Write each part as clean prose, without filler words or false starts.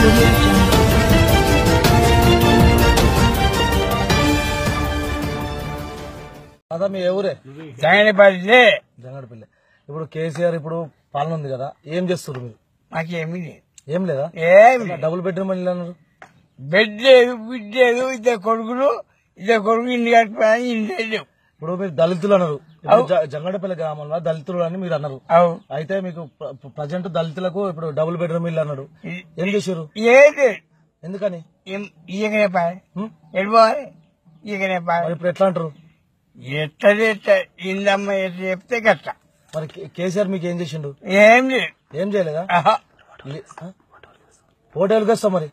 అదా మీ ఎవరే జంగడపల్లి. ఇప్పుడు కేసీఆర్ ఇప్పుడు పాలన ఉంది కదా, ఏం చేస్తారు మీరు? మాకేమీ ఏం లేదా? డబుల్ బెడ్రూమ్ ఇల్లు అన్నారు. బెడ్ లేదు, బిడ్ లేదు, ఇద్దరు కొడుకు ఇంటి కట్టుకోవడానికి ఇంటి లేవు. ఇప్పుడు మీరు దళితులు అన్నారు. జంగడపల్లి గ్రామంలో దళితులు అని మీరు అన్నారు. అయితే మీకు ప్రజెంట్ దళితులకు ఇప్పుడు డబుల్ బెడ్రూమ్ ఇల్లు అన్నాడు. ఏం చేశారు? ఎందుకని? ఈయకనే పాయ ఎడిపోవాలి, ఈయకనే పాయ. ఇప్పుడు ఎట్లా అంటారు? ఎట్లా ఇందమ్మ ఎట్లా చెప్తే గట్ట. మరి కేసీఆర్ మీకు ఏం చేసిండు? ఏం లేదు. ఏం చేయలేదా? ఓటేళ్ళకి వస్తాం మరి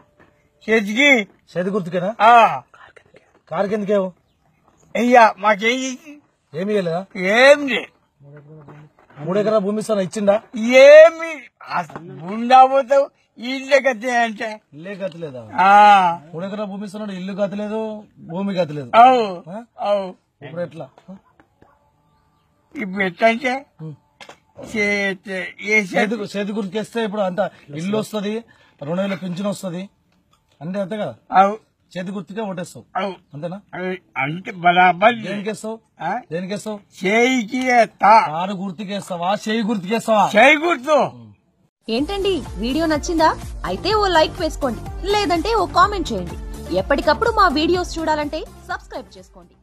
చేతి గుర్తుకేనా? కారుకి ఎందుకేమో అయ్యా మాకేం ఏమి ఇవ్వలేదా? ఏం లేదు. 3 ఎకరాల భూమి ఇస్తాను ఇచ్చిందా? ఏమి ఉండబోతావు ఇల్లు గతి అంటే ఇల్లే గతి లేదా? 3 ఎకరాల భూమి ఇస్తున్నాడు, ఇల్లు గతి లేదు, భూమి గతి లేదు. ఇప్పుడు ఎట్లా? ఇప్పుడు ఎట్లా అంటే చేతి గుర్తుకేస్తే ఇప్పుడు అంత ఇల్లు వస్తుంది, 2,000 పింఛన్ వస్తుంది, అంటే అంతే కదా. చేతి గుర్తుకే ఓటేస్తావు అంతేనా? అంటే బరాబర్. దేనికేస్తావు? దేనికేస్తావు? చేయికి కారు గుర్తుకేస్తావా, చేయి గుర్తుకేస్తావా? చేయి గుర్తు. ఏంటండి వీడియో నచ్చిందా? అయితే ఓ లైక్ వేసుకోండి, లేదంటే ఓ కామెంట్ చేయండి. ఎప్పటికప్పుడు మా వీడియోస్ చూడాలంటే సబ్స్క్రైబ్ చేసుకోండి.